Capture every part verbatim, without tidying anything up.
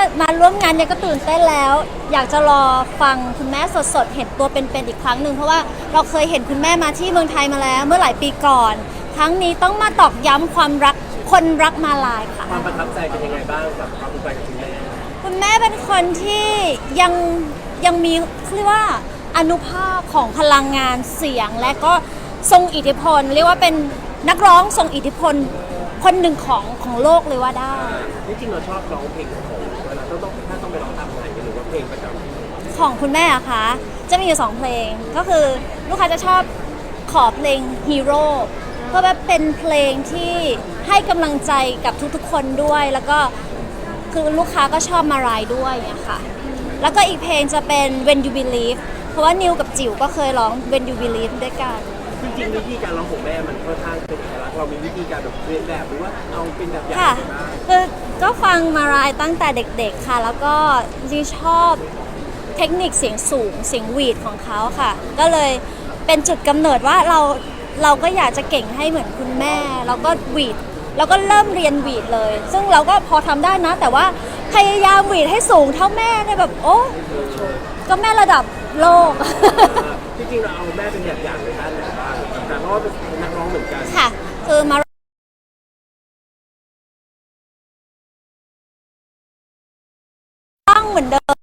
มาร่วมงานเนี่ยก็ตื่นเต้นแล้ว อยากจะรอฟังคุณแม่สดๆเห็นตัวเป็นๆอีกครั้งหนึ่งเพราะว่าเราเคยเห็นคุณแม่มาที่เมืองไทยมาแล้ว เมื่อหลายปีก่อนครั้งนี้ต้องมาตอกย้ำความรักคนรักมาลายค่ะความประทับใจเป็นยังไงบ้างกับความภูมิใจกับคุณแม่คุณแม่เป็นคนที่ยังยังมีเรียกว่าอนุภาคของพลังงานเสียงและก็ทรงอิทธิพลเรียกว่าเป็นนักร้องทรงอิทธิพลคนหนึ่งของของโลกเลยว่าได้ที่จริงเราชอบร้องเพลงของเวลาต้องต้องถ้าต้องไปร้องตามไหนหรือว่าเพลงประจำของคุณแม่อะคะจะมีอยู่สองเพลงก็คือลูกค้าจะชอบขอเพลงฮีโร่เพราะว่าเป็นเพลงที่ให้กำลังใจกับทุกๆคนด้วยแล้วก็คือลูกค้าก็ชอบมารายด้วยเนี่ยค่ะแล้วก็อีกเพลงจะเป็น When You Believe เพราะว่านิวกับจิ๋วก็เคยร้อง When You Believe ด้วยกันจริงๆวิธีการร้องของแม่มันค่อนข้างเป็นเอกลักษณ์เรามีวิธีการแบบเรียนแบบหรือว่าเอาเป็นแบบอย่างค่ะคือก็ฟังมารายตั้งแต่เด็กๆค่ะแล้วก็จริงชอบเทคนิคเสียงสูงเสียงหวีดของเขาค่ะก็เลยเป็นจุดกำเนิดว่าเราเราก็อยากจะเก่งให้เหมือนคุณแม่แล้วก็หวีดแล้วก็เริ่มเรียนหวีดเลยซึ่งเราก็พอทำได้นะแต่ว่าพยายามหวีดให้สูงเท่าแม่เนี่ยแบบโอ้ก็แม่ระดับโลกจริงๆเราเอาแม่เป็นแบบอย่างในด้านไหนบ้างแต่เพราะว่าเป็นนักร้องเหมือนกันค่ะคือมาต้องเหมือนเดิม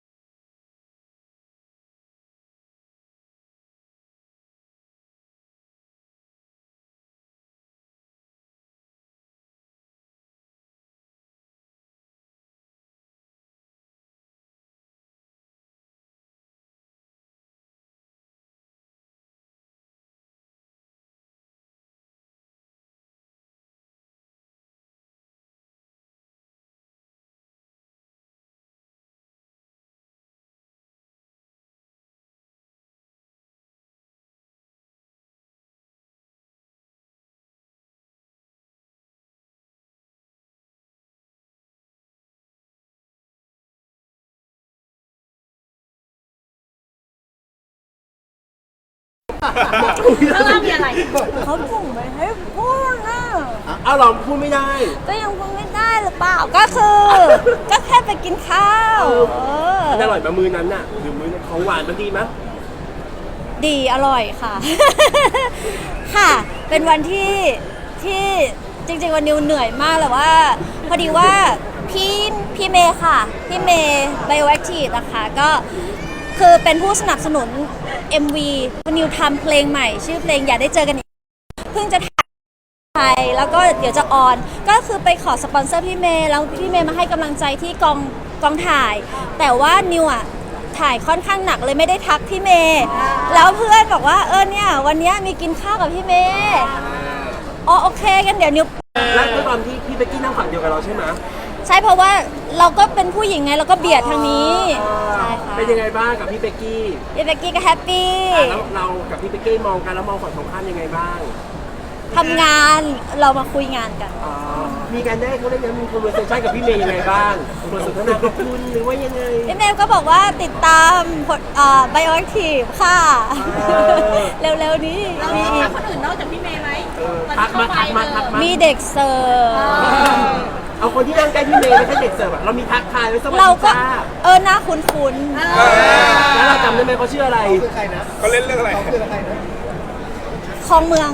แล้วเรามีอะไรเขาส่งไปให้พูดนะเอาเราพูดไม่ได้ก็ยังพูดไม่ได้หรือเปล่าก็คือก็แค่ไปกินข้าวมันอร่อยมามือนั้นน่ะหรือมือของหวานมันดีมั้ยดีอร่อยค่ะค่ะเป็นวันที่ที่จริงๆวันนิวเหนื่อยมากแต่ว่าพอดีว่าพี่พี่เมย์ค่ะพี่เมย์ Bioactive นะคะก็คือเป็นผู้สนับสนุน เอ็ม วี วันนิวทำเพลงใหม่ชื่อเพลงอย่าได้เจอกันอีกเพิ่งจะถ่ายแล้วก็เดี๋ยวจะออนก็คือไปขอสปอนเซอร์พี่เมย์แล้วพี่เมย์มาให้กำลังใจที่กองกองถ่ายแต่ว่านิวอ่ะถ่ายค่อนข้างหนักเลยไม่ได้ทักพี่เมย์แล้วเพื่อนบอกว่าเออเนี่ยวันนี้มีกินข้าวกับพี่เมย์อ๋อโอเคกันเดี๋ยวนิวแล้วตอนที่พี่เบกกี้นั่งฝั่งเดียวกับเราใช่ไหมใช่เพราะว่าเราก็เป็นผู้หญิงไงเราก็เบียดทางนี้ใช่ค่ะเป็นยังไงบ้างกับพี่เบกกี้พี่เบกกี้ก็แฮปปี้แล้วเรากับพี่เบกกี้มองกันแล้วมองฝั่งตรงข้ามยังไงบ้างทำงานเรามาคุยงานกันมีการได้เขาเรียกว่ามีคอนเวอร์เซชั่นกับพี่เมย์ยังไงบ้างบทสนทนาขอบคุณหรือว่ายังไงพี่เมย์ก็บอกว่าติดตามไบโอแอคทีฟค่ะเร็วๆนี้มีคนอื่นนอกจากพี่เมย์ไหมทักมาทักมาทักมามีเด็กเสิร์ฟเอาคนที่นั่งใกล้พี่เมย์ไม่ใช่เด็กเสิร์ฟเรามีทักทายไว้สวัสดีจ้าเออหน้าคุ้นๆแล้วเราจำได้ไหมเขาชื่ออะไรเขาคือใครนะเขาเล่นเรื่องอะไรเขาคือใครนะคลองเมือง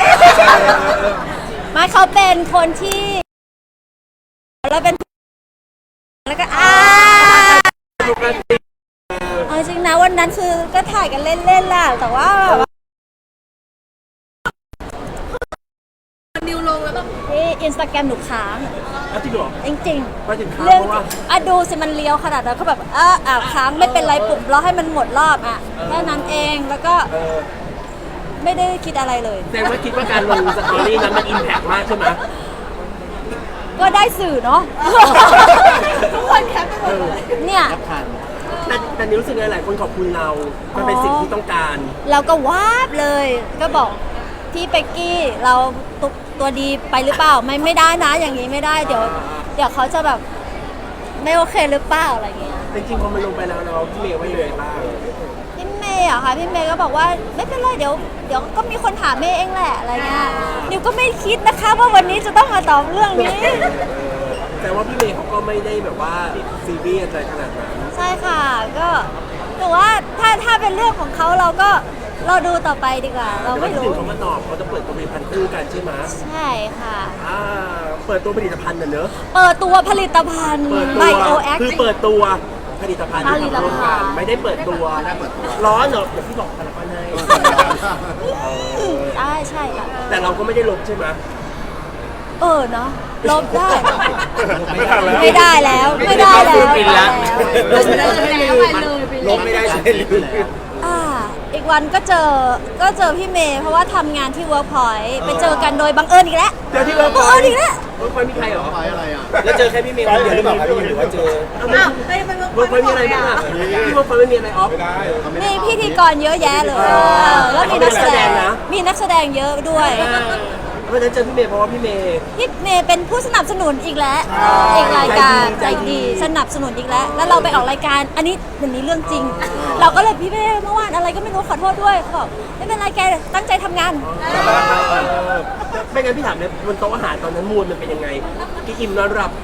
ไม่เขาเป็นคนที่แล้วเป็นแล้วก็อ่าเอาจริงนะวันนั้นคือก็ถ่ายกันเล่นๆแหละแต่ว่านิวลงแล้วแบบที่อินสตาแกรมหนูค้างจริงเหรอจริงๆเรื่องอ่ะดูสิมันเลี้ยวขนาดนั้นเขาแบบเอออ่ะค้างไม่เป็นไรปุ่มรอให้มันหมดรอบอ่ะแค่นั้นเองแล้วก็ไม่ได้คิดอะไรเลยแต่ว่าคิดว่าการลงสตอรี่นั้นมันอิมแพกมากใช่ไหมก็ได้สื่อเนาะทุกคนแคปไปหมดเลยเนี่ยแต่แต่นี่รู้สึกไงหลายคนขอบคุณเรามันเป็นสิ่งที่ต้องการเราก็วาบเลยก็บอกพี่เป็กกี้เราตัวตัวดีไปหรือเปล่าไม่ไม่ได้นะอย่างนี้ไม่ได้เดี๋ยวเดี๋ยวเขาจะแบบไม่โอเคหรือเปล่าอะไรเงี้ยจริงๆพอมันลงไปแล้วเราพี่เมย์ว่ายังไงบ้างพี่เมย์อะค่ะพี่เมย์ก็บอกว่าไม่เป็นไรเดี๋ยวเดี๋ยวก็มีคนถามเมย์เองแหละอะไรเงี้ยนิวก็ไม่คิดนะคะว่าวันนี้จะต้องมาตอบเรื่องนี้จแต่ว่าพี่เมย์เขาก็ไม่ได้แบบว่าซีเรียสอะไรขนาดนั้นใช่ค่ะก็แต่ว่าถ้าถ้าเป็นเรื่องของเขาเราก็เราดูต่อไปดีกว่า เราเดี๋ยววันไม่ที่หนึ่รู้งเขามาตอบเขาจะเปิดตัวผลิตภัณฑ์คู่กันใช่ไหมใช่ค่ะอ่าเปิดตัวผลิตภัณฑ์น่ะเนอะเปิดตัวผลิตภัณฑ์เปิดไบตัวโอแอคคือเปิดตัวผลิตภัณฑ์ที่ผลิตภัณฑ์ทำร่วมกันไม่ได้เปิดตัวร้อนเหรอเดี๋ยวพี่บอกผลิตภัณฑ์ให้ใช่ใช่ค่ะแต่เราก็ไม่ได้ลบใช่ไหมเออเนาะลบได้ไม่ทันแล้วไม่ได้แล้วไม่ได้แล้วปิดแล้วแล้วไปเลยไปเลยลบไม่ได้ใช่หรืออ่าอีกวันก็เจอก็เจอพี่เมย์เพราะว่าทำงานที่ Workpoint ไปเจอกันโดยบังเอิญอีกแล้วเจอที่เวิร์กบังเอิญอีกแล้วเวิร์กพอยต์มีใครเหรอแล้วเจอแค่พี่เมย์คนเดียวหรือเปล่าครับพี่หรือว่าเจออ้าวได้ไปเวิร์กพอยต์มีอะไรบ้างอ่ะที่เวิร์กพอยต์ไม่มีอะไรออฟไม่ได้มีพิธีกรเยอะแยะเลยแล้วมีนักแสดงมีนักแสดงเยอะด้วยเพราะฉะนั้นเจอพี่เมย์เพราะว่าพี่เมย์พี่เมย์เป็นผู้สนับสนุนอีกแล้วอีกรายการใจใจดีดีสนับสนุนอีกแล้ว แล้วเราไปออกรายการ อันนี้วันนี้เรื่องจริง เราก็เลยพี่เมย์เมื่อวานอะไรก็ไม่รู้ขอโทษด้วยเขาบอกไม่เป็นไรแกตั้งใจทำงานไม่งั้นพี่ถามเลยบนโต๊ะอาหารตอนนั้นมูลมันเป็นยังไงกี่อิ่มนอนหลับ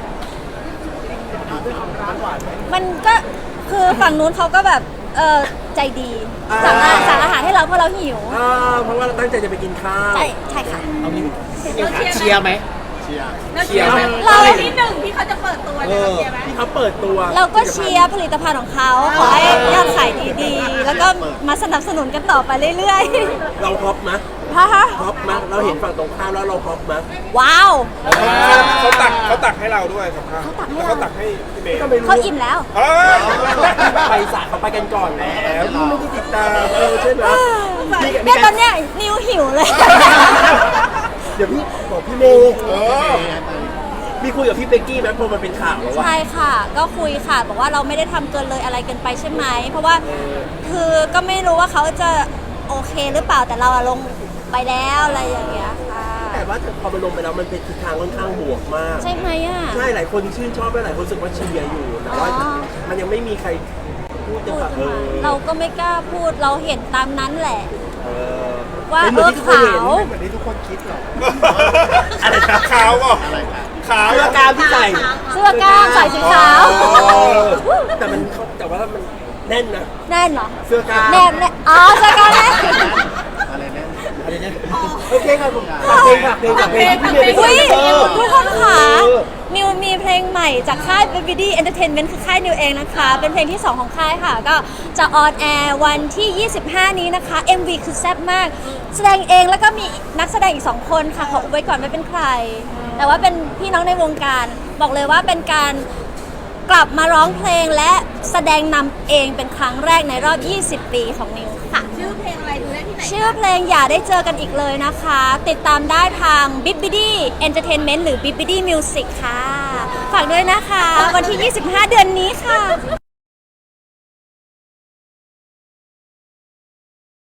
มันก็คือฝั่งนู้นเขาก็แบบเออใจดีอ่าสั่งอาสั่งอาหารให้เราเพราะเราหิวอ่าเพราะว่าเราตั้งใจจะไปกินข้าวใช่ใช่ค่ะเชียร์ไหมแล้วเชียร์ไหมเราเราที่หนึ่งที่เขาจะเปิดตัวเนี่ยเราเชียร์ไหมที่เขาเปิดตัวเราก็เชียร์ผลิตภัณฑ์ของเขาขอให้ยอดขายดีๆ แล้วก็มาสนับสนุนกันต่อไปเรื่อยเราฮอปมะๆฮะฮะฮอปมะเราเห็นฝั่งตรงข้ามแล้วเราฮอปมะว้าวเขาตักเขาตักให้เราด้วยครับเขาตักให้แล้วเราเขาตักให้พี่เมย์ก็ไม่รู้เขาอิ่มแล้วเอ้ยไปสระเขาไปกันก่อนแล้วนี่ไม่ได้ติดตามเออใช่ไหมนี่เนี่ยตอนเนี้ยนิวหิวเลยเดี๋ยวพี่บอกพี่เมย์มีคุยกับพี่เบกกี้ไหมพอมันเป็นข่าวแล้วว่าใช่ค่ะ ก็คุยค่ะ บอกว่าเราไม่ได้ทำเกินเลยอะไรเกินไปใช่ไหม เพราะว่าคือก็ไม่รู้ว่าเขาจะโอเคหรือเปล่าแต่เราอะลงไปแล้วอะไรอย่างเงี้ยค่ะแต่ว่าพอมันลงไปแล้วมันเป็นทิศทางค่อนข้างบวกมากใช่ไหมอ่ะใช่หลายคนชื่นชอบและหลายคนรู้สึกว่าเชียร์อยู่แต่ว่าอ๋อมันยังไม่มีใครพูดจะพูดแบบเอมาอเราก็ไม่กล้าพูดเราเห็นตามนั้นแหละเออว่าเป็นเหเอมือนอที่ทุกคนขาเห็นวเหมือนที่ทุกคนคิดหรออะไรครับขาวเปล่ะขาวเสื้อกล้ามที่ใส่เสื้อกล้ามใส่สีขาวเออแต่มันแต่ว่ามันแน่นนะแน่นเหรอเสื้อกล้ามแน่นแน่นอ๋อเสื้อกล้ามแน่นอะไรเนี่ยอะไรเนี่ยโอเคครับผมฝากเพลงฝากเพลงฝากเพลงที่พี่เมย์ไปอุ้ยเออทุกคนค่ะเออนิวมีเพลงใหม่จากค่าย บี บี ดี Entertainment คือค่ายนิวเองนะคะ เป็นเพลงที่ สอง ของค่ายค่ะ ก็จะออนแอร์วันที่ ยี่สิบห้า นี้นะคะ เอ็ม วี คือแซ่บมาก แสดงเองแล้วก็มีนักแสดงอีก สอง คนค่ะ ขออุบไว้ก่อนไม่เป็นใคร แต่ว่าเป็นพี่น้องในวงการ บอกเลยว่าเป็นการกลับมาร้องเพลงและแสดงนำเองเป็นครั้งแรกในรอบ ยี่สิบ ปีของนิวค่ะชื่อเพลงอะไรดูได้ที่ไหนชื่อเพลงอย่าได้เจอกันอีกเลยนะคะ ติดตามได้ทาง บี บี ดี Entertainment หรือ บี บี ดี Music ค่ะ ฝากด้วยนะคะ วันที่ ยี่สิบห้า เดือนนี้ค่ะ